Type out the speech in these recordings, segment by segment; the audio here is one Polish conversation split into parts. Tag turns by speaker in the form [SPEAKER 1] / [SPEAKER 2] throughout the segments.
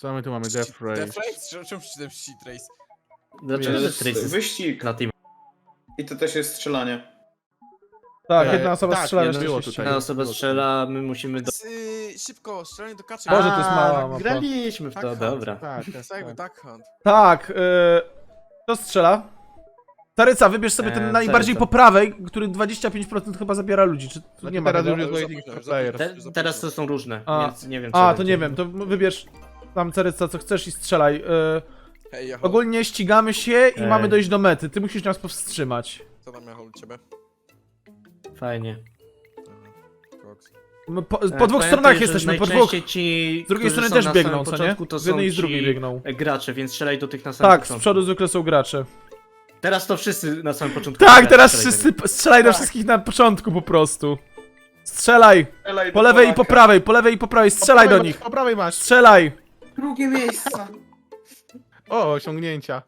[SPEAKER 1] Co my tu mamy? Death Race.
[SPEAKER 2] Death Race? Czemu przeczytałem Shit Race?
[SPEAKER 3] Dlaczego
[SPEAKER 1] Jest
[SPEAKER 3] Death Race jest
[SPEAKER 4] wyścig.
[SPEAKER 3] na team?
[SPEAKER 4] I to też jest strzelanie.
[SPEAKER 5] Tak, jedna osoba
[SPEAKER 1] tak,
[SPEAKER 5] strzela,
[SPEAKER 1] nie,
[SPEAKER 5] reszta
[SPEAKER 1] było
[SPEAKER 5] się
[SPEAKER 1] tutaj.
[SPEAKER 3] Jedna osoba strzela, my musimy do...
[SPEAKER 2] Szybko, strzelanie do kaczy.
[SPEAKER 5] Boże, to jest mała mapa.
[SPEAKER 3] graliśmy w to,
[SPEAKER 2] Tak,
[SPEAKER 3] dobra.
[SPEAKER 1] Tak,
[SPEAKER 2] To jest jakby Duck Hunt.
[SPEAKER 5] Tak, kto strzela? Taryca, wybierz sobie ten najbardziej
[SPEAKER 3] Taryca.
[SPEAKER 5] po prawej, który 25% chyba zabiera ludzi. Czy tu nie ma
[SPEAKER 1] teraz
[SPEAKER 5] tego?
[SPEAKER 1] już jest
[SPEAKER 2] Już
[SPEAKER 1] waiting for
[SPEAKER 2] za
[SPEAKER 1] player.
[SPEAKER 2] późno.
[SPEAKER 3] Teraz to są różne,
[SPEAKER 5] A.
[SPEAKER 3] więc nie wiem co
[SPEAKER 5] A, to
[SPEAKER 3] będzie.
[SPEAKER 5] nie wiem, to wybierz tam Taryca co chcesz i strzelaj.
[SPEAKER 2] Hej, Jachol.
[SPEAKER 5] Ogólnie ścigamy się i
[SPEAKER 3] Ej.
[SPEAKER 5] mamy dojść do mety. Ty musisz nas powstrzymać.
[SPEAKER 2] Co tam Jachol u ciebie?
[SPEAKER 3] Fajnie.
[SPEAKER 2] Koks.
[SPEAKER 5] Po dwóch
[SPEAKER 3] Pamiętaj,
[SPEAKER 5] stronach
[SPEAKER 3] że
[SPEAKER 5] jesteśmy, po dwóch.
[SPEAKER 3] najczęściej Ci,
[SPEAKER 5] Z drugiej
[SPEAKER 3] którzy
[SPEAKER 5] strony
[SPEAKER 3] są
[SPEAKER 5] też
[SPEAKER 3] na
[SPEAKER 5] biegną,
[SPEAKER 3] samym
[SPEAKER 5] co nie?
[SPEAKER 3] początku, to
[SPEAKER 5] Z jednej
[SPEAKER 3] są
[SPEAKER 5] i z drugiej
[SPEAKER 3] ci
[SPEAKER 5] biegną.
[SPEAKER 3] gracze, więc strzelaj do tych na samym
[SPEAKER 5] Tak, z
[SPEAKER 3] początku.
[SPEAKER 5] przodu zwykle są gracze.
[SPEAKER 3] Teraz to wszyscy na samym początku.
[SPEAKER 5] Tak,
[SPEAKER 3] grają,
[SPEAKER 5] teraz
[SPEAKER 3] strzelaj do
[SPEAKER 5] wszyscy strzelaj do wszystkich na początku po prostu. Strzelaj!
[SPEAKER 4] Strzelaj
[SPEAKER 5] Po
[SPEAKER 4] do
[SPEAKER 5] lewej i po
[SPEAKER 4] Polaka.
[SPEAKER 5] prawej, po lewej i po prawej, strzelaj do nich!
[SPEAKER 1] Po prawej masz.
[SPEAKER 5] Strzelaj!
[SPEAKER 4] Drugie miejsce.
[SPEAKER 1] O, osiągnięcia.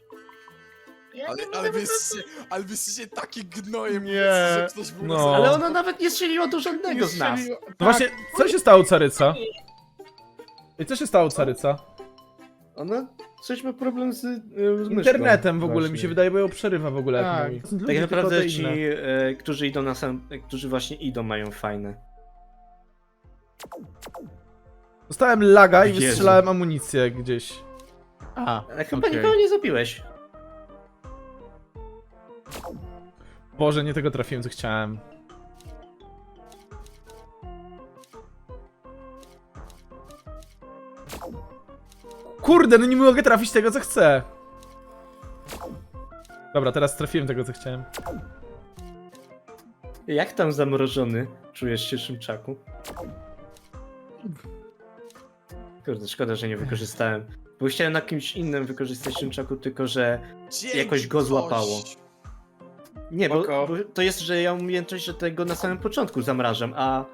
[SPEAKER 2] Ale wy jesteście takie gnoje,
[SPEAKER 1] Nie.
[SPEAKER 2] że ktoś był
[SPEAKER 5] No.
[SPEAKER 2] na
[SPEAKER 3] Ale ona nawet nie strzeliła do żadnego z nas.
[SPEAKER 5] No właśnie, co się stało Caryca? I co się stało Caryca?
[SPEAKER 3] Ona coś ma problem z
[SPEAKER 5] Internetem w ogóle mi
[SPEAKER 3] właśnie.
[SPEAKER 5] się wydaje, bo ją przerywa w ogóle jak
[SPEAKER 1] Tak.
[SPEAKER 5] mówi.
[SPEAKER 3] Tak naprawdę ci, którzy idą na sam, którzy właśnie idą, mają fajne.
[SPEAKER 5] Dostałem laga i
[SPEAKER 3] Jezu.
[SPEAKER 5] wystrzelałem amunicję gdzieś.
[SPEAKER 1] A,
[SPEAKER 3] Ale chyba
[SPEAKER 1] okej.
[SPEAKER 3] nikogo nie zabiłeś.
[SPEAKER 5] Boże, nie tego trafiłem co chciałem. Kurde, no nie mogę trafić tego co chcę. Dobra, teraz trafiłem tego co chciałem.
[SPEAKER 3] Jak tam zamrożony czujesz się, Szymczaku? Kurde, szkoda, że nie wykorzystałem. Bo chciałem na kimś innym wykorzystać Szymczaku, tylko że
[SPEAKER 2] Dzięki,
[SPEAKER 3] jakoś go
[SPEAKER 2] coś.
[SPEAKER 3] złapało. Nie, bo
[SPEAKER 4] Spoko.
[SPEAKER 3] to jest, że ja mam umiejętność, że tego na samym początku zamrażam, a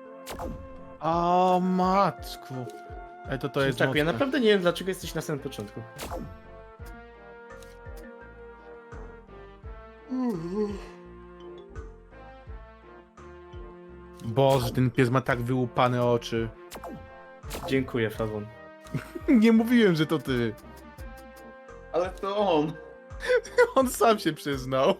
[SPEAKER 1] O matku. Ej, to jest
[SPEAKER 3] Szymczaku, ja
[SPEAKER 1] mocne.
[SPEAKER 3] naprawdę nie wiem, dlaczego jesteś na samym początku.
[SPEAKER 1] Boże, ten pies ma tak wyłupane oczy.
[SPEAKER 3] Dziękuję, Fawon.
[SPEAKER 1] Nie mówiłem, że to ty.
[SPEAKER 4] Ale to on.
[SPEAKER 1] On sam się przyznał.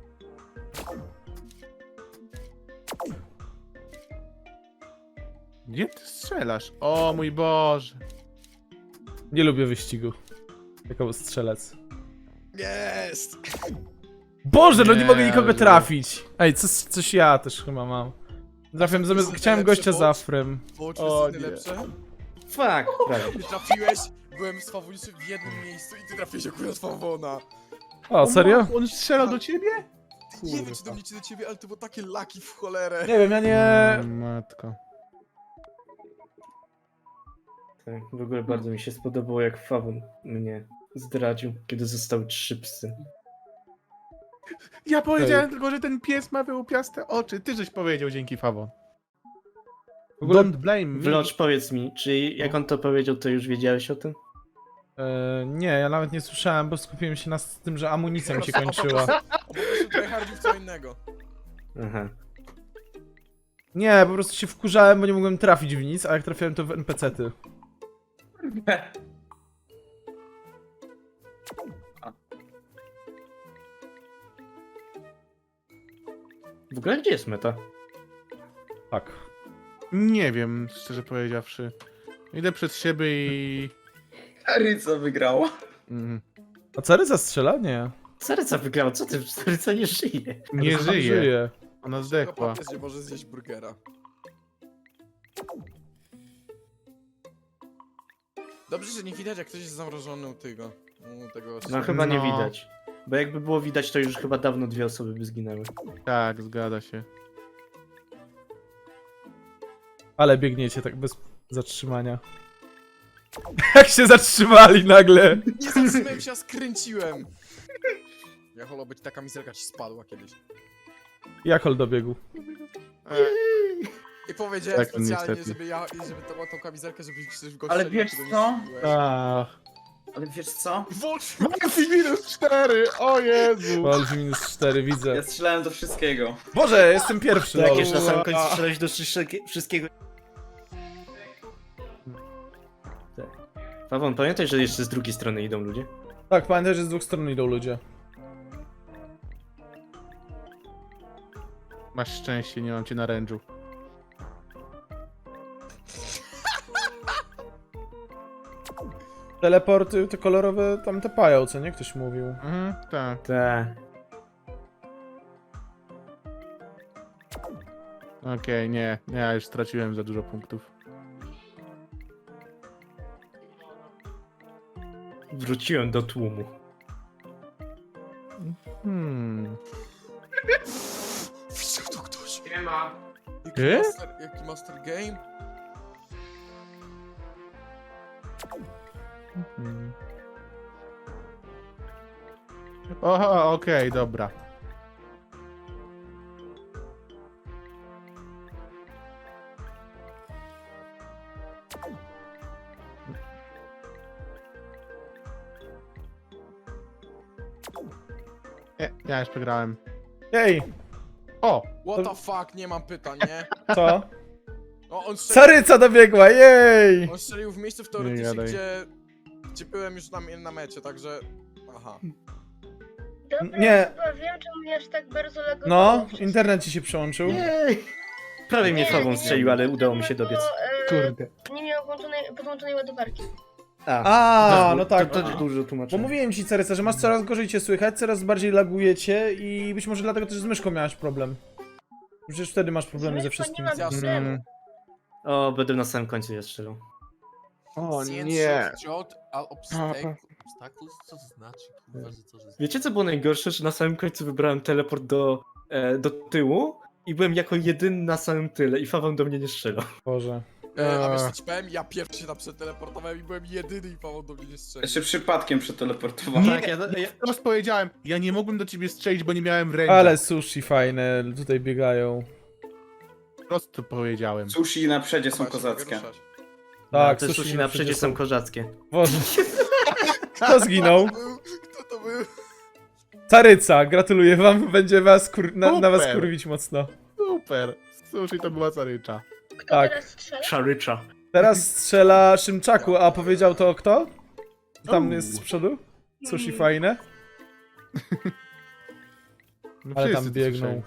[SPEAKER 1] Gdzie ty strzelasz? O mój Boże.
[SPEAKER 5] Nie lubię wyścigu. Jako strzelec.
[SPEAKER 2] Jest!
[SPEAKER 5] Boże, no nie
[SPEAKER 1] Nie,
[SPEAKER 5] mogę nikogo
[SPEAKER 1] ale-
[SPEAKER 5] trafić. Ej, coś ja też chyba mam. Trafiłem zamiast, chciałem gościa z afrem.
[SPEAKER 2] Boże,
[SPEAKER 1] O,
[SPEAKER 2] jest
[SPEAKER 1] nie.
[SPEAKER 2] najlepsze.
[SPEAKER 3] Fuck, prawie.
[SPEAKER 2] Ty trafiłeś, byłem z Fawoniczem w jednym miejscu i ty trafiłeś akurat Fawona.
[SPEAKER 5] O, serio?
[SPEAKER 1] On strzelał do ciebie?
[SPEAKER 2] Nie wiem czy do mnie czy do ciebie, ale to było takie laki w cholerę.
[SPEAKER 5] Nie wiem, ja nie...
[SPEAKER 1] Matko.
[SPEAKER 3] Tak, w ogóle bardzo mi się spodobało, jak Fawon mnie zdradził, kiedy zostały 3 psy.
[SPEAKER 1] Ja powiedziałem tylko, że ten pies ma wyłupiaste oczy. Ty żeś powiedział dzięki Fawon.
[SPEAKER 5] W ogóle...
[SPEAKER 1] Don't blame me.
[SPEAKER 3] Wlocz, powiedz mi, czy jak on to powiedział, to już wiedziałeś o tym?
[SPEAKER 5] Nie, ja nawet nie słyszałem, bo skupiłem się na tym, że amunicja mi się kończyła.
[SPEAKER 2] O, po prostu tryhardził w co innego.
[SPEAKER 3] Aha.
[SPEAKER 5] Nie, po prostu się wkurzałem, bo nie mogłem trafić w nic, a jak trafiałem to w NPC-ty.
[SPEAKER 3] W ogóle gdzie jest meta?
[SPEAKER 5] Tak.
[SPEAKER 1] Nie wiem, szczerze powiedziawszy. Idę przed siebie i...
[SPEAKER 4] Taryca wygrała.
[SPEAKER 1] Mm,
[SPEAKER 5] A Caryca strzela? Nie.
[SPEAKER 3] Caryca wygrała, co ty? Caryca nie żyje.
[SPEAKER 1] nie
[SPEAKER 5] Caryca
[SPEAKER 1] żyje. Ona
[SPEAKER 2] Tylko
[SPEAKER 1] zdechła.
[SPEAKER 2] papież nie może zjeść burgera. Dobrze, że nie widać jak ktoś jest zamrożony u tego. U tego
[SPEAKER 3] No chyba nie
[SPEAKER 1] No.
[SPEAKER 3] widać. Bo jakby było widać, to już chyba dawno 2 osoby by zginęły.
[SPEAKER 1] Tak, zgadza się.
[SPEAKER 5] Ale biegniecie tak bez zatrzymania. Jak się zatrzymali nagle.
[SPEAKER 2] Nie zatrzymałem się, a skręciłem. Ja holo, być taka mizelka ci spadła kiedyś.
[SPEAKER 5] Jakol dobiegł.
[SPEAKER 2] I powiedziałem
[SPEAKER 1] Tak,
[SPEAKER 2] specjalnie,
[SPEAKER 1] niestety.
[SPEAKER 2] żeby to była tą kamizelkę, żeby ktoś w go
[SPEAKER 4] Ale
[SPEAKER 2] strzelił,
[SPEAKER 4] wiesz
[SPEAKER 2] czego nie
[SPEAKER 4] co?
[SPEAKER 2] strzeliłeś.
[SPEAKER 1] Ach.
[SPEAKER 4] Ale wiesz co?
[SPEAKER 2] Włącz
[SPEAKER 1] -4! O Jezu!
[SPEAKER 5] Wolf minus 4, widzę.
[SPEAKER 4] Ja strzelałem do wszystkiego.
[SPEAKER 5] Boże, jestem pierwszy.
[SPEAKER 3] Tak,
[SPEAKER 5] lol.
[SPEAKER 3] już na samym końcu strzelałeś do wszystkiego. Tak. Fawon, pamiętaj, że jeszcze z drugiej strony idą ludzie.
[SPEAKER 5] Tak, pamiętaj, że z dwóch stron idą ludzie.
[SPEAKER 1] Masz szczęście, nie mam cię na rężu.
[SPEAKER 5] Teleporty, te kolorowe tam tepają, co nie? Ktoś mówił.
[SPEAKER 1] Mhm, tak.
[SPEAKER 3] Tak.
[SPEAKER 1] Okej, nie, ja już straciłem za dużo punktów.
[SPEAKER 3] Wróciłem do tłumu.
[SPEAKER 2] Widział to ktoś?
[SPEAKER 3] Nie ma.
[SPEAKER 2] Jaki master game?
[SPEAKER 1] Oho, okej, dobra. Nie, ja już przegrałem.
[SPEAKER 5] Ej,
[SPEAKER 1] O!
[SPEAKER 2] What the fuck, nie mam pytań, nie?
[SPEAKER 5] co?
[SPEAKER 2] No, on strzelił,
[SPEAKER 5] Caryca dobiegła, jej!
[SPEAKER 2] on strzelił w miejscu
[SPEAKER 1] Nie
[SPEAKER 2] teoretycznie,
[SPEAKER 1] gadaj.
[SPEAKER 2] gdzie byłem już na mecie, także... Aha.
[SPEAKER 6] Dobra,
[SPEAKER 5] Nie.
[SPEAKER 6] chyba wiem, czemu mnie aż tak bardzo lagowało.
[SPEAKER 5] No,
[SPEAKER 6] wszystko.
[SPEAKER 5] internet ci się przyłączył.
[SPEAKER 3] Jej! Prawie mnie
[SPEAKER 6] Nie,
[SPEAKER 3] Fawon
[SPEAKER 6] nie,
[SPEAKER 3] strzelił, ale udało mi się dobiec.
[SPEAKER 6] Bo,
[SPEAKER 1] Kurde.
[SPEAKER 6] nie miał podłączonej ładowarki.
[SPEAKER 5] A, no tak.
[SPEAKER 3] To dużo
[SPEAKER 5] Bo
[SPEAKER 3] tłumaczę.
[SPEAKER 5] mówiłem ci, Caryca, że masz coraz gorzej cię słychać, coraz bardziej lagujecie i być może dlatego też z myszką miałaś problem. Przecież wtedy masz problemy ze
[SPEAKER 6] Myszką
[SPEAKER 5] wszystkim.
[SPEAKER 6] nie mam
[SPEAKER 2] Jasne.
[SPEAKER 6] problemu.
[SPEAKER 3] O, będę na samym końcu je strzelał.
[SPEAKER 1] O
[SPEAKER 2] Science
[SPEAKER 1] nie.
[SPEAKER 2] shot, all obstacles? Co to znaczy? Kurwa, że co, że...
[SPEAKER 3] Wiecie co było najgorsze? Że na samym końcu wybrałem teleport do tyłu i byłem jako jedyny na samym tyle i Fawon do mnie nie strzelał.
[SPEAKER 5] Boże.
[SPEAKER 2] A wiesz co ci powiem? Ja pierwszy się tam przeteleportowałem i byłem jedyny i Paweł do mnie nie strzelił.
[SPEAKER 4] Ja się przypadkiem przeteleportowałem.
[SPEAKER 1] Nie,
[SPEAKER 3] Tak, ja
[SPEAKER 1] Teraz powiedziałem, ja nie mogłem do ciebie strzelić, bo nie miałem ręki.
[SPEAKER 5] Ale sushi fajne, tutaj biegają.
[SPEAKER 1] Prosto powiedziałem.
[SPEAKER 4] Sushi na przedzie są
[SPEAKER 2] Dawaj, się mogę
[SPEAKER 4] kozackie.
[SPEAKER 2] ruszać.
[SPEAKER 5] Tak,
[SPEAKER 3] te sushi na przedzie są kozackie.
[SPEAKER 5] Boże. Kto zginął?
[SPEAKER 2] Kto to był?
[SPEAKER 5] Caryca, gratuluję wam, będzie was na was
[SPEAKER 1] Super.
[SPEAKER 5] kurwić mocno.
[SPEAKER 1] Super. Sushi to była carycza.
[SPEAKER 6] Kto
[SPEAKER 5] Tak.
[SPEAKER 6] teraz strzela?
[SPEAKER 3] Szarycza.
[SPEAKER 5] Teraz strzela Szymczaku, a powiedział to kto? Tam jest z przodu? Sushi fajne,
[SPEAKER 1] No
[SPEAKER 5] ale
[SPEAKER 1] wszyscy
[SPEAKER 5] tam
[SPEAKER 1] to
[SPEAKER 5] biegną.
[SPEAKER 1] słyszeli.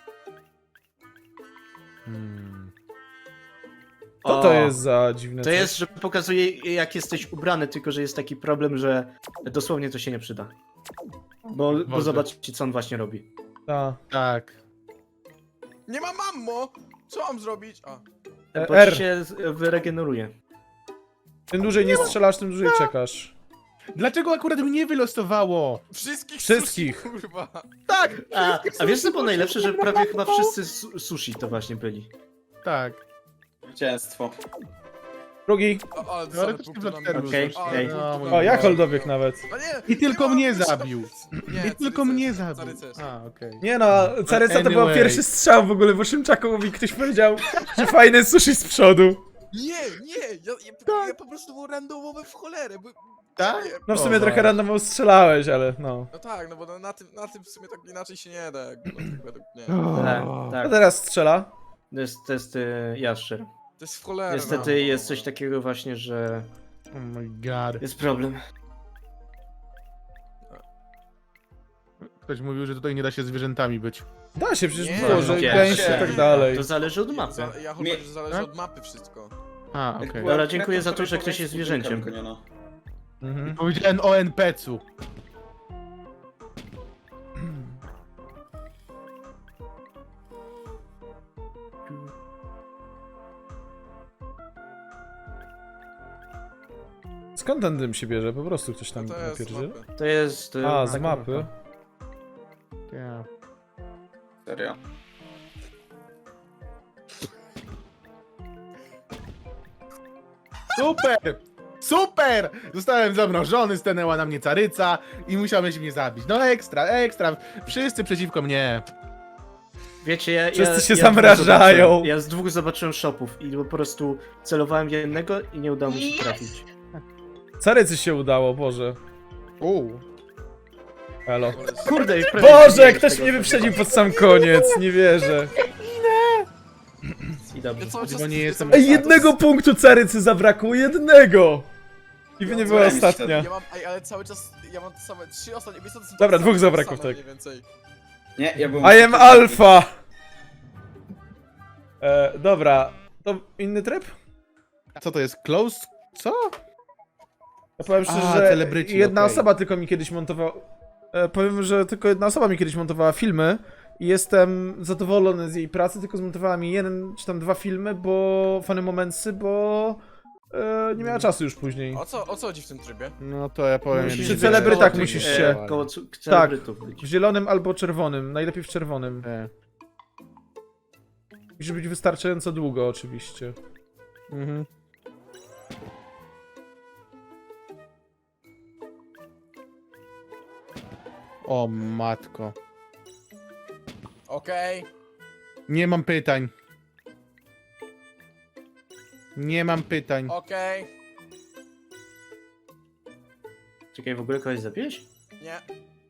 [SPEAKER 1] Hmm.
[SPEAKER 5] Co to jest za dziwne
[SPEAKER 3] To
[SPEAKER 5] coś?
[SPEAKER 3] jest, że pokazuje jak jesteś ubrany, tylko że jest taki problem, że dosłownie to się nie przyda. Bo
[SPEAKER 1] Może.
[SPEAKER 3] zobaczcie co on właśnie robi.
[SPEAKER 5] Ta.
[SPEAKER 1] Tak.
[SPEAKER 2] Nie ma mammo! Co mam zrobić? A.
[SPEAKER 3] Bo
[SPEAKER 5] R.
[SPEAKER 3] ci się wyregeneruje.
[SPEAKER 5] Tym dłużej nie strzelasz, tym dłużej czekasz.
[SPEAKER 1] Dlaczego akurat mnie wylosowało?
[SPEAKER 2] Wszystkich sushi, kurwa!
[SPEAKER 1] Tak!
[SPEAKER 3] A wiesz co było najlepsze, że prawie chyba wszyscy sushi to właśnie byli.
[SPEAKER 1] Tak.
[SPEAKER 4] Zwycięstwo.
[SPEAKER 5] Drugi.
[SPEAKER 2] Ale
[SPEAKER 1] Teoretycznie
[SPEAKER 2] punkty
[SPEAKER 1] dla
[SPEAKER 2] na mnie.
[SPEAKER 3] Okej,
[SPEAKER 2] Ale
[SPEAKER 3] okej.
[SPEAKER 2] punkty na
[SPEAKER 1] No,
[SPEAKER 2] mnie.
[SPEAKER 5] O, ja holdowiek nawet.
[SPEAKER 2] A nie!
[SPEAKER 1] I tylko
[SPEAKER 2] nie
[SPEAKER 1] mnie
[SPEAKER 2] mam myśli.
[SPEAKER 1] zabił.
[SPEAKER 2] Nie,
[SPEAKER 1] I tylko
[SPEAKER 2] Caryces,
[SPEAKER 1] mnie zabił.
[SPEAKER 2] Caryces.
[SPEAKER 1] A, okej.
[SPEAKER 5] Nie no, Caryca to był
[SPEAKER 1] Anyway.
[SPEAKER 5] pierwszy strzał w ogóle, bo Szymczakowi ktoś powiedział, że fajne sushi z przodu.
[SPEAKER 2] Nie! Ja po prostu był randomowy w cholerę.
[SPEAKER 1] Tak?
[SPEAKER 2] Nie,
[SPEAKER 5] No w sumie
[SPEAKER 1] O,
[SPEAKER 5] trochę
[SPEAKER 1] tak.
[SPEAKER 5] randomowo strzelałeś, ale no.
[SPEAKER 2] No tak, no bo na tym w sumie tak inaczej się nie da. Jakby, no, tak według mnie.
[SPEAKER 3] Tak,
[SPEAKER 5] A
[SPEAKER 3] tak.
[SPEAKER 5] teraz strzela.
[SPEAKER 3] To jest jaszczer.
[SPEAKER 2] To jest w cholerę.
[SPEAKER 3] Niestety jest coś takiego właśnie, że
[SPEAKER 1] Oh my god.
[SPEAKER 3] jest problem.
[SPEAKER 1] Ktoś mówił, że tutaj nie da się zwierzętami być.
[SPEAKER 5] Da się, przecież
[SPEAKER 2] Nie,
[SPEAKER 5] było, że
[SPEAKER 3] nie,
[SPEAKER 5] gęście i
[SPEAKER 4] nie.
[SPEAKER 5] tak dalej.
[SPEAKER 3] To zależy od mapy.
[SPEAKER 2] Ja chyba, że zależy od mapy wszystko.
[SPEAKER 1] A, okej.
[SPEAKER 3] była- Dobra, dziękuję za to, że ktoś jest zwierzęciem.
[SPEAKER 5] Mhm.
[SPEAKER 1] Powiedziałem o NPC-u.
[SPEAKER 5] Skąd ten dym się bierze? Po prostu ktoś tam
[SPEAKER 2] No to jest
[SPEAKER 5] napierdziel?
[SPEAKER 2] mapy.
[SPEAKER 3] To jest...
[SPEAKER 5] A, z
[SPEAKER 3] taka
[SPEAKER 5] mapy.
[SPEAKER 1] Ja.
[SPEAKER 4] Serio.
[SPEAKER 1] Super! Super! Zostałem zamrożony, stanęła na mnie caryca i musiałeś mnie zabić. No ekstra, ekstra. Wszyscy przeciwko mnie.
[SPEAKER 3] Wiecie, ja...
[SPEAKER 5] Wszyscy się
[SPEAKER 3] ja
[SPEAKER 5] zamrażają.
[SPEAKER 3] Ja z dwóch zobaczyłem shopów i po prostu celowałem w jednego i nie udało mi się trafić.
[SPEAKER 5] Carycy się udało, Boże. Elo.
[SPEAKER 3] Kurde, i prawie
[SPEAKER 5] Boże,
[SPEAKER 3] zginąłem z
[SPEAKER 5] ktoś
[SPEAKER 3] tego
[SPEAKER 5] mnie wyprzedził pod sam koniec, nie wierzę.
[SPEAKER 3] I dobrze.
[SPEAKER 2] Ja cały czas,
[SPEAKER 1] Bo nie jestem-
[SPEAKER 5] Ej, jednego punktu Carycy zabrakło, jednego! I by
[SPEAKER 2] Ja
[SPEAKER 5] nie
[SPEAKER 2] mam-
[SPEAKER 5] była
[SPEAKER 4] remis
[SPEAKER 5] ostatnia.
[SPEAKER 2] Ja mam, ale cały czas, ja mam same 3 ostatnie, wiesz co, to są
[SPEAKER 5] Dobra,
[SPEAKER 2] takie
[SPEAKER 5] dwóch
[SPEAKER 2] same,
[SPEAKER 5] zabrakło,
[SPEAKER 2] same,
[SPEAKER 5] tak.
[SPEAKER 2] mniej więcej.
[SPEAKER 4] Nie, ja byłem...
[SPEAKER 5] I am alpha! Dobra, to inny tryb?
[SPEAKER 1] Co to jest? Close? Co?
[SPEAKER 5] Ja powiem szczerze,
[SPEAKER 1] A,
[SPEAKER 5] że
[SPEAKER 1] celebryci,
[SPEAKER 5] jedna
[SPEAKER 1] okej.
[SPEAKER 5] osoba tylko mi kiedyś montowała... powiem, że tylko jedna osoba mi kiedyś montowała filmy i jestem zadowolony z jej pracy, tylko zmontowała mi jeden czy tam 2 filmy, bo... Funny momentsy, bo... nie miała czasu już później.
[SPEAKER 2] O co chodzi w tym trybie?
[SPEAKER 1] No to ja powiem...
[SPEAKER 3] Musisz
[SPEAKER 5] Przy
[SPEAKER 3] być
[SPEAKER 5] celebrytach
[SPEAKER 3] koło
[SPEAKER 5] musisz
[SPEAKER 3] tych,
[SPEAKER 5] się-
[SPEAKER 3] koło celebrytów być.
[SPEAKER 5] W zielonym albo czerwonym, najlepiej w czerwonym. Musi być wystarczająco długo oczywiście.
[SPEAKER 1] Mhm. O matko.
[SPEAKER 2] Okej.
[SPEAKER 1] Nie mam pytań. Nie mam pytań.
[SPEAKER 2] Okej.
[SPEAKER 3] Czekaj, w ogóle kogoś zabiłeś?
[SPEAKER 2] Nie.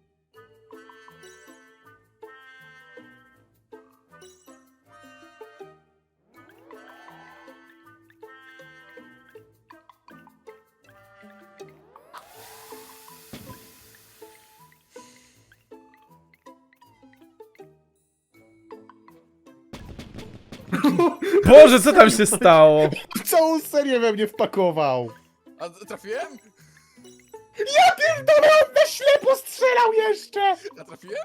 [SPEAKER 5] Boże, co tam się stało?
[SPEAKER 1] Całą serię we mnie wpakował.
[SPEAKER 2] A trafiłem?
[SPEAKER 1] Na ślepo strzelał jeszcze!
[SPEAKER 2] Ja trafiłem?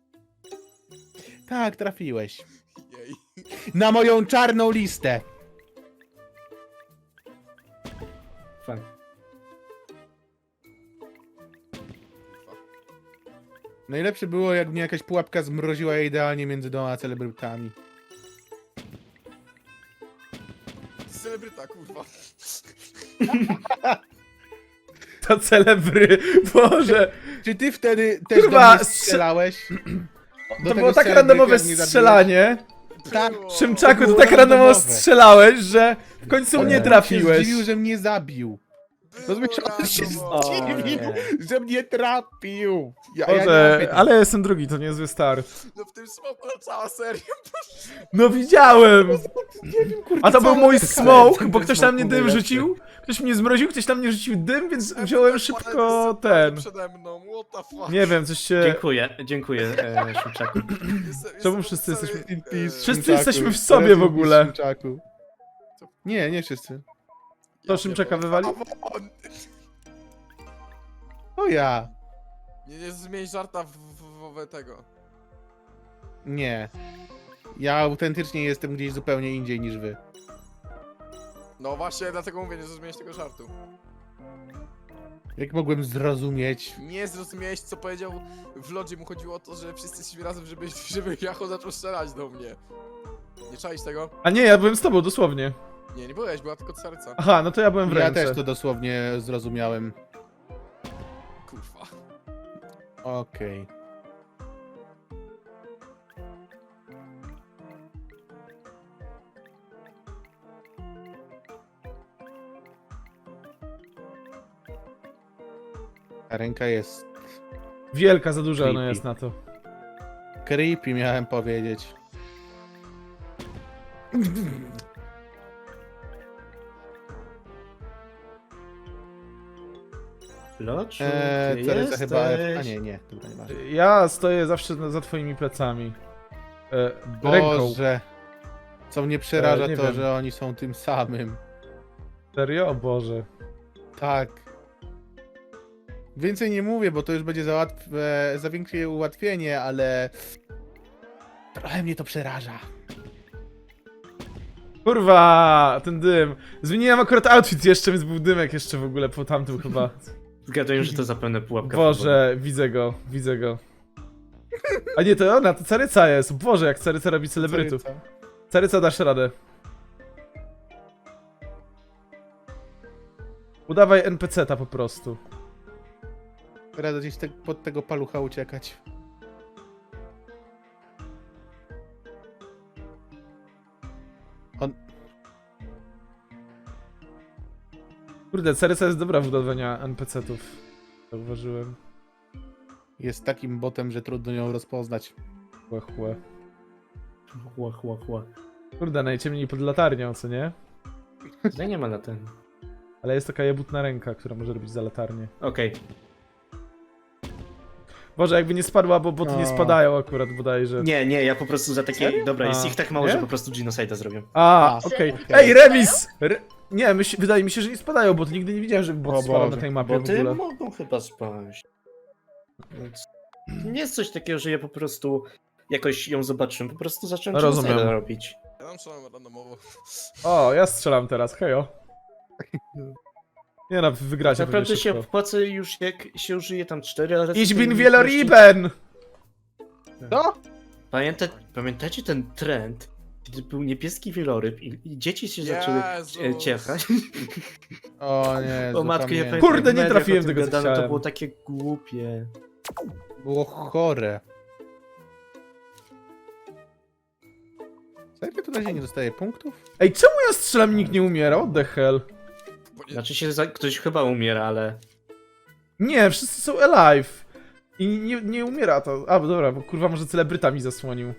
[SPEAKER 1] Tak, trafiłeś.
[SPEAKER 2] Jej.
[SPEAKER 1] Na moją czarną listę.
[SPEAKER 3] Fuck.
[SPEAKER 1] Najlepsze było, jak mnie jakaś pułapka zmroziła idealnie między dwoma celebrytami.
[SPEAKER 2] Celebryta, kurwa.
[SPEAKER 5] To celebry, Boże.
[SPEAKER 1] Czy ty wtedy też
[SPEAKER 5] Kurwa,
[SPEAKER 1] do mnie strzelałeś?
[SPEAKER 5] To było tak randomowe strzelanie.
[SPEAKER 1] Tak.
[SPEAKER 2] Było.
[SPEAKER 5] Szymczaku, to
[SPEAKER 1] było
[SPEAKER 5] tak randomowo
[SPEAKER 1] randomowe.
[SPEAKER 5] strzelałeś, że w końcu mnie
[SPEAKER 1] Się
[SPEAKER 5] trafiłeś.
[SPEAKER 1] zdziwił, że mnie zabił. Rozumiesz, on się
[SPEAKER 2] randomowo.
[SPEAKER 1] zdziwił,
[SPEAKER 3] nie.
[SPEAKER 1] że mnie trafił. Ja nie mam
[SPEAKER 5] Boże,
[SPEAKER 1] pytań.
[SPEAKER 5] ale ja jestem drugi, to niezły start.
[SPEAKER 2] No w tym smoku na cała seria.
[SPEAKER 5] No widziałem!
[SPEAKER 1] Nie wiem, kurde,
[SPEAKER 5] A to był
[SPEAKER 1] całe
[SPEAKER 5] mój
[SPEAKER 1] spotkanie.
[SPEAKER 5] smoke, bo ktoś na mnie dym
[SPEAKER 3] najlepszy.
[SPEAKER 5] rzucił. Ktoś mnie zmroził, ktoś na mnie rzucił dym, więc wziąłem szybko ten.
[SPEAKER 2] Przede mną, what the fuck.
[SPEAKER 5] Nie wiem, coś się...
[SPEAKER 3] Dziękuję, Szymczaku.
[SPEAKER 5] Czemu wszyscy jesteśmy
[SPEAKER 1] In peace,
[SPEAKER 5] Wszyscy
[SPEAKER 1] Szymczaku.
[SPEAKER 5] jesteśmy w sobie
[SPEAKER 1] Rest
[SPEAKER 5] w
[SPEAKER 1] in
[SPEAKER 5] ogóle.
[SPEAKER 1] peace, Szymczaku. Nie wszyscy.
[SPEAKER 5] To Szymczaka wywali?
[SPEAKER 1] O ja.
[SPEAKER 2] Nie zmień żarta w tego.
[SPEAKER 1] Nie. Ja autentycznie jestem gdzieś zupełnie indziej niż wy.
[SPEAKER 2] No właśnie, dlatego mówię, nie zrozumiałeś tego żartu.
[SPEAKER 1] Jak mogłem zrozumieć?
[SPEAKER 2] Nie zrozumiałeś, co powiedział w lodzie. Mu chodziło o to, że wszyscy jesteśmy razem, żeby Jacho zaczął strzelać do mnie. Nie czaisz tego?
[SPEAKER 5] A nie, ja byłem z tobą, dosłownie.
[SPEAKER 2] Nie byłeś, była tylko serca.
[SPEAKER 5] Aha, no to ja byłem w
[SPEAKER 1] Ja
[SPEAKER 5] ręce.
[SPEAKER 1] też to dosłownie zrozumiałem.
[SPEAKER 2] Kurwa.
[SPEAKER 1] Okej. Ta ręka jest
[SPEAKER 5] Wielka, za duża ona
[SPEAKER 1] Creepy.
[SPEAKER 5] jest na to.
[SPEAKER 1] creepy, miałem powiedzieć.
[SPEAKER 3] Loczu, gdzie
[SPEAKER 1] Caryca chyba...
[SPEAKER 3] jesteś?
[SPEAKER 1] A nie, dobra, nieważne.
[SPEAKER 5] Ja stoję zawsze za twoimi plecami. Ręką.
[SPEAKER 1] Boże. Co mnie przeraża
[SPEAKER 5] nie
[SPEAKER 1] to,
[SPEAKER 5] wiem.
[SPEAKER 1] że oni są tym samym.
[SPEAKER 5] Serio? O Boże.
[SPEAKER 1] Tak. Więcej nie mówię, bo to już będzie za większe ułatwienie, ale... Trochę mnie to przeraża.
[SPEAKER 5] Kurwa, ten dym. Zmieniłem akurat outfit jeszcze, więc był dymek jeszcze w ogóle po tamtym chyba.
[SPEAKER 3] Zgaduję, że to zapewne pułapka.
[SPEAKER 5] Boże, widzę go, widzę go. A nie, to ona, to Caryca jest. Boże, jak Caryca robi celebrytów.
[SPEAKER 1] Caryca.
[SPEAKER 5] Caryca, dasz radę. Udawaj NPC-ta po prostu.
[SPEAKER 1] Rada gdzieś pod tego palucha uciekać.
[SPEAKER 5] Kurde, Caryca jest dobra w udawania NPC-tów. Zauważyłem.
[SPEAKER 1] Jest takim botem, że trudno ją rozpoznać.
[SPEAKER 5] Chłe, chłe.
[SPEAKER 3] Chła.
[SPEAKER 5] Kurde, najciemniej pod latarnią, co nie?
[SPEAKER 3] Tutaj nie ma na ten.
[SPEAKER 5] Ale jest taka jebutna ręka, która może robić za latarnię.
[SPEAKER 3] Okej.
[SPEAKER 5] Boże, jakby nie spadła, bo boty nie
[SPEAKER 1] O.
[SPEAKER 5] spadają akurat bodajże.
[SPEAKER 3] Nie, ja po prostu za takie...
[SPEAKER 1] Serio?
[SPEAKER 3] Dobra, jest
[SPEAKER 5] A.
[SPEAKER 3] ich tak mało,
[SPEAKER 1] Nie?
[SPEAKER 3] że po prostu Genocide'a zrobię.
[SPEAKER 5] A,
[SPEAKER 1] A,
[SPEAKER 5] okej.
[SPEAKER 1] okej.
[SPEAKER 5] Ej, remis! Nie, wydaje mi się, że nie spadają, bo nigdy nie widziałem, żeby
[SPEAKER 1] O
[SPEAKER 5] bot spadał na
[SPEAKER 1] Boże.
[SPEAKER 5] tej mapie w
[SPEAKER 3] Boty
[SPEAKER 5] ogóle.
[SPEAKER 3] mogą chyba spaść. Więc nie jest coś takiego, że ja po prostu jakoś ją zobaczyłem, po prostu zacząłem
[SPEAKER 5] Rozumiem.
[SPEAKER 3] Genocide'a robić.
[SPEAKER 2] Ja tam strzelam randomowo.
[SPEAKER 5] O, ja strzelam teraz, hejo. Nie no, wygracie
[SPEAKER 3] Naprawdę
[SPEAKER 5] pewnie
[SPEAKER 3] się
[SPEAKER 5] szybko.
[SPEAKER 3] opłaca już jak się użyje tam 4 razy.
[SPEAKER 5] Ich
[SPEAKER 3] to
[SPEAKER 5] bin
[SPEAKER 3] już
[SPEAKER 5] Wieloriben!
[SPEAKER 1] Co?
[SPEAKER 3] Pamiętacie ten trend, kiedy był niebieski wieloryb i dzieci się zaczęły
[SPEAKER 2] Jezus.
[SPEAKER 3] ciechać?
[SPEAKER 1] O nie,
[SPEAKER 3] O matko, nie
[SPEAKER 1] pamiętam.
[SPEAKER 3] pamiętam.
[SPEAKER 5] Kurde,
[SPEAKER 3] jak w
[SPEAKER 5] nie
[SPEAKER 3] mediach
[SPEAKER 5] trafiłem
[SPEAKER 3] o tym
[SPEAKER 5] tego, co
[SPEAKER 3] gadano, to
[SPEAKER 5] chciałem.
[SPEAKER 3] było takie głupie.
[SPEAKER 1] Było chore. Zajmie to na razie nie dostaje punktów?
[SPEAKER 5] Ej, czemu ja strzelam i nikt nie umiera? What the hell?
[SPEAKER 2] Bo nie-
[SPEAKER 3] Znaczy się, ktoś chyba umiera, ale...
[SPEAKER 5] Nie, wszyscy są alive. I nie umiera to. A, dobra, bo kurwa może celebryta mi zasłonił.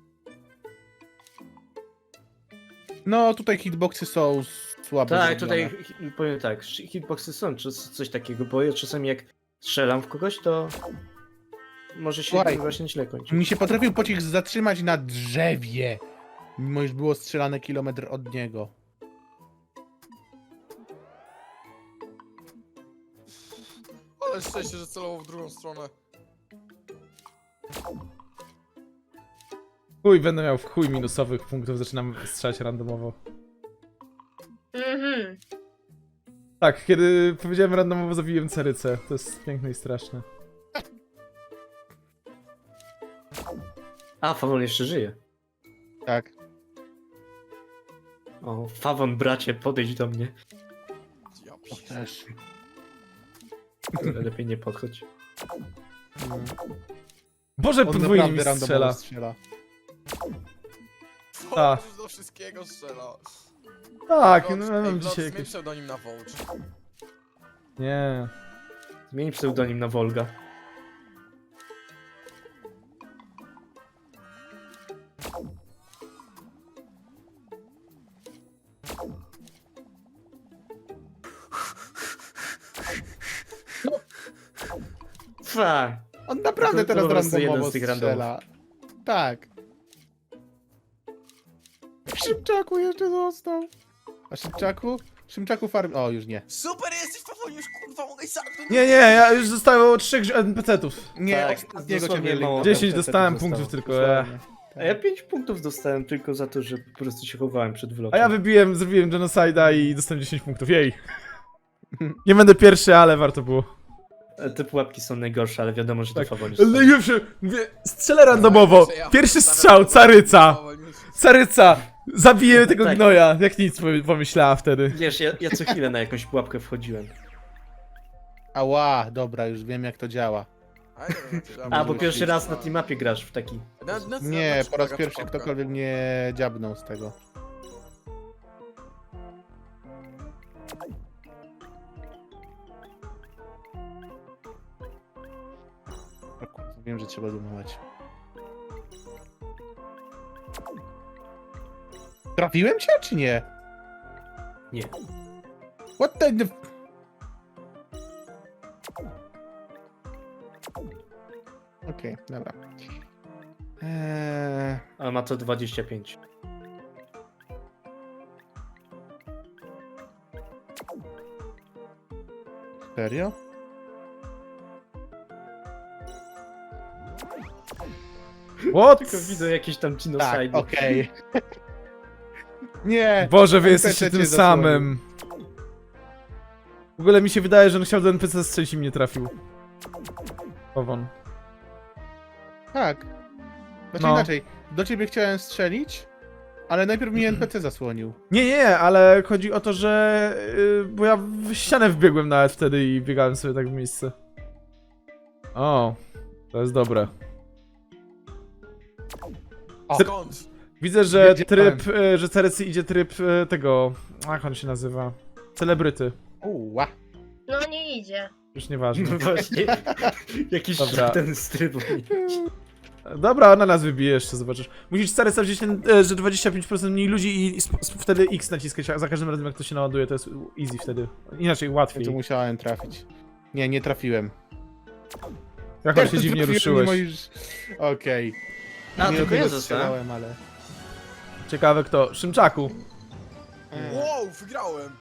[SPEAKER 1] No, tutaj hitboxy są słabe.
[SPEAKER 3] Tak,
[SPEAKER 1] zrobione.
[SPEAKER 3] tutaj powiem tak, hitboxy są, czy coś takiego, bo ja czasami jak strzelam w kogoś, to może się
[SPEAKER 1] Słuchaj,
[SPEAKER 3] właśnie źle kończyć.
[SPEAKER 1] Mi się potrafił pocisk zatrzymać na drzewie, mimo iż było strzelane kilometr od niego.
[SPEAKER 2] Ale szczęście, że celował w drugą stronę.
[SPEAKER 5] Chuj, będę miał w chuj minusowych punktów, zaczynam strzelać randomowo.
[SPEAKER 6] Mhm.
[SPEAKER 5] Tak, kiedy powiedziałem randomowo, zabiłem carycę. To jest piękne i straszne.
[SPEAKER 3] A, Fawon jeszcze żyje.
[SPEAKER 1] Tak.
[SPEAKER 3] O, Fawon, bracie, podejdź do mnie.
[SPEAKER 2] Ja
[SPEAKER 1] O,
[SPEAKER 2] pier...
[SPEAKER 1] też.
[SPEAKER 3] Lepiej nie podchodź.
[SPEAKER 5] Boże,
[SPEAKER 1] On
[SPEAKER 5] podwójnie mi
[SPEAKER 1] naprawdę randomowo
[SPEAKER 5] strzela.
[SPEAKER 1] strzela.
[SPEAKER 5] A.
[SPEAKER 2] Już do wszystkiego strzela.
[SPEAKER 5] Tak,
[SPEAKER 2] Vlog,
[SPEAKER 5] no ja mam
[SPEAKER 2] Vlog,
[SPEAKER 5] dzisiaj
[SPEAKER 2] zmień
[SPEAKER 5] jakieś...
[SPEAKER 2] pseudonim na Volge.
[SPEAKER 5] Nie.
[SPEAKER 3] Zmień pseudonim na Volga. Fuck.
[SPEAKER 1] On naprawdę
[SPEAKER 3] To
[SPEAKER 1] teraz
[SPEAKER 3] po prostu jeden
[SPEAKER 1] randomowo
[SPEAKER 3] z tych
[SPEAKER 1] strzela. Tak. Szybczaku jeszcze został. A Szymczaku farm... O, już nie.
[SPEAKER 2] Super, jesteś Fawon, już kurwa mogę sam.
[SPEAKER 5] Nie, ja już zostało 3 NPC-ów.
[SPEAKER 1] Nie,
[SPEAKER 3] Tak,
[SPEAKER 1] ostatniego cię
[SPEAKER 3] dosłownie
[SPEAKER 1] mieli.
[SPEAKER 3] mało.
[SPEAKER 5] 10
[SPEAKER 3] NPC
[SPEAKER 5] dostałem
[SPEAKER 3] zostało.
[SPEAKER 5] punktów tylko,
[SPEAKER 1] Dosłownie.
[SPEAKER 3] A ja 5 punktów dostałem tylko za to, że po prostu się chowałem przed vlogiem.
[SPEAKER 5] A ja zrobiłem genocide'a i dostałem 10 punktów, jej. Nie będę pierwszy, ale warto było.
[SPEAKER 3] Te pułapki są najgorsze, ale wiadomo, że to
[SPEAKER 5] Tak.
[SPEAKER 3] Fawon
[SPEAKER 5] Ale najgorsze, mówię, strzelę randomowo. Pierwszy strzał, caryca. Caryca! Zabiję tego
[SPEAKER 3] Tak.
[SPEAKER 5] gnoja, jak nic pomyślała wtedy.
[SPEAKER 3] Wiesz, ja co chwilę na jakąś pułapkę wchodziłem.
[SPEAKER 1] Ała, dobra, już wiem jak to działa.
[SPEAKER 3] A, bo pierwszy raz na tej mapie grasz w taki...
[SPEAKER 1] Nie, po raz pierwszy ktokolwiek mnie dziabnął z tego. O kurwa, wiem, że trzeba zoomować. Trafiłem cię, czy nie?
[SPEAKER 3] Nie.
[SPEAKER 1] What the... Okej, dobra.
[SPEAKER 3] Ale ma to 25.
[SPEAKER 1] Serio?
[SPEAKER 5] What?
[SPEAKER 3] Tylko widzę jakieś tam
[SPEAKER 1] Tak,
[SPEAKER 3] genocide.
[SPEAKER 1] okej. Nie!
[SPEAKER 5] Boże, wy
[SPEAKER 1] NPC
[SPEAKER 5] jesteście
[SPEAKER 1] cię
[SPEAKER 5] tym
[SPEAKER 1] zasłonił.
[SPEAKER 5] samym. W ogóle mi się wydaje, że on chciał do NPC strzelić i mnie trafił. Powon.
[SPEAKER 1] Tak. Znaczy
[SPEAKER 5] No.
[SPEAKER 1] inaczej, do ciebie chciałem strzelić, ale najpierw mi NPC zasłonił.
[SPEAKER 5] Nie, ale chodzi o to, że... bo ja w ścianę wbiegłem nawet wtedy i biegałem sobie tak w miejsce. O, to jest dobre.
[SPEAKER 1] O,
[SPEAKER 2] Skąd?
[SPEAKER 5] Widzę, że
[SPEAKER 1] Wiedziałem.
[SPEAKER 5] tryb, że Cerecy idzie tryb tego... Jak on się nazywa? Celebryty.
[SPEAKER 1] Uła.
[SPEAKER 6] No nie idzie.
[SPEAKER 5] Już nieważne.
[SPEAKER 3] No właśnie. Jakiś
[SPEAKER 5] Dobra.
[SPEAKER 3] ten z trybu.
[SPEAKER 5] Dobra, na nas wybije jeszcze, zobaczysz. Musisz stary wziąć ten, że 25% mniej ludzi i wtedy X naciskać za każdym razem jak to się naładuje, to jest easy wtedy. Inaczej
[SPEAKER 1] Ja
[SPEAKER 5] łatwiej.
[SPEAKER 1] tu musiałem trafić. Nie, nie trafiłem.
[SPEAKER 5] Jak on się dziwnie ruszyłeś.
[SPEAKER 1] Okej.
[SPEAKER 3] A,
[SPEAKER 1] Nie
[SPEAKER 3] tylko ja
[SPEAKER 1] tego
[SPEAKER 3] zostałem.
[SPEAKER 1] strzelałem, ale...
[SPEAKER 5] Ciekawe kto. Szymczaku.
[SPEAKER 2] Wow, wygrałem!